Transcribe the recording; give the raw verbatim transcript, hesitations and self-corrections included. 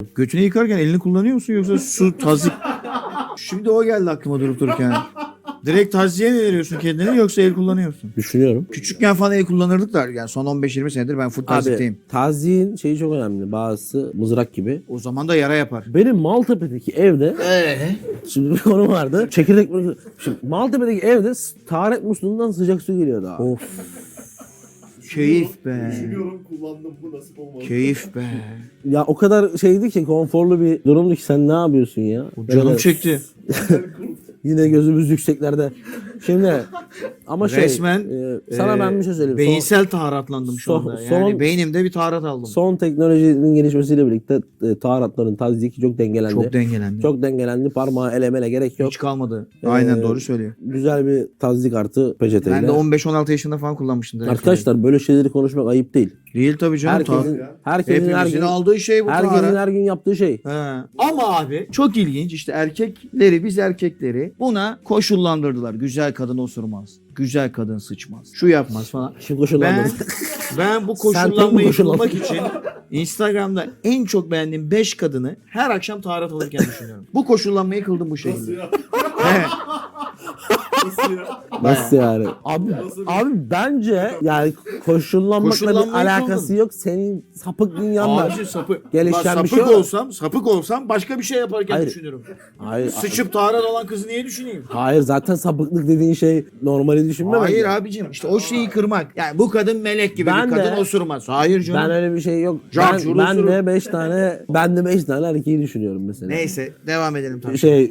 Götünü yıkarken elini kullanıyor musun yoksa su tazik? Şimdi o geldi aklıma durup dururken. Direkt taziye mi veriyorsun kendini yoksa el kullanıyorsun? Düşünüyorum. Küçükken falan el kullanırdık da yani son on beş yirmi senedir ben full tazikteyim. Abi taziğin şeyi çok önemli. Bazısı mızrak gibi. O zaman da yara yapar. Benim Maltepe'deki evde Eee? şimdi bir konu vardı. Çekirdek şimdi Maltepe'deki evde taharet musluğundan sıcak su geliyordu abi. Of. Keyif be. Düşünüyorum, kullandım, bu nasip olmadı. Keyif be. Ya o kadar şeydi ki konforlu bir durumdu ki sen ne yapıyorsun ya? Canım Böyle çekti. Yine gözümüz yükseklerde. Şimdi ama şey Resmen e, sana e, ben bir şey söyleyeyim. beyinsel taharatlandım şu son- anda. Yani son- beynimde bir taharat aldım. Son, son teknolojinin gelişmesiyle birlikte e, taharatların tazyiki çok dengelendi. Çok dengelendi. Çok dengelendi. Parmağı elemele gerek yok. Hiç kalmadı. Aynen Ee, doğru söylüyor. Güzel bir tazdik artı peçeteyle. Ben de on beş on altı yaşında falan kullanmıştım. direkt Arkadaşlar böyle şeyleri konuşmak ayıp değil. öyle. Değil tabii canım. Herkesin, tabii. herkesin her Hepimizin gün, aldığı şey bu herkesin taharat. her gün yaptığı şey. He. Ama abi çok ilginç işte erkekleri biz erkekleri buna koşullandırdılar. Güzel kadın osurmaz. Güzel kadın sıçmaz. Şu yapmaz falan. Şimdi koşullandırdı. Ben, ben bu Sen tam koşullanmayı koşullandın. bulmak için Instagram'da en çok beğendiğim beş kadını her akşam taharat alırken düşünüyorum. Bu koşullanmayı kıldım bu Nasıl şekilde. ya? Evet. Nasıl ya? Nasıl yani? Abi, Nasıl bir- abi bence yani koşullanmakla bir Koşullanmayı alakası kıldım. yok. Senin sapık dünyanla. Abi sapık. Gelişen Bak, bir sapık şey yok. olsam, sapık olsam başka bir şey yaparken Hayır. düşünürüm. Hayır, Sıçıp taharat olan kızı niye düşüneyim? hayır zaten sapıklık dediğin şey normali düşünmemek. Hayır ya. abicim işte o şeyi kırmak. Yani bu kadın melek gibi Ben bir kadın de- osurmaz. Hayır canım. Ben öyle bir şey yok. Can ben, şuru ben suru. de beş tane ben de beş tane erkeği düşünüyorum mesela. Neyse devam edelim tamam. Şey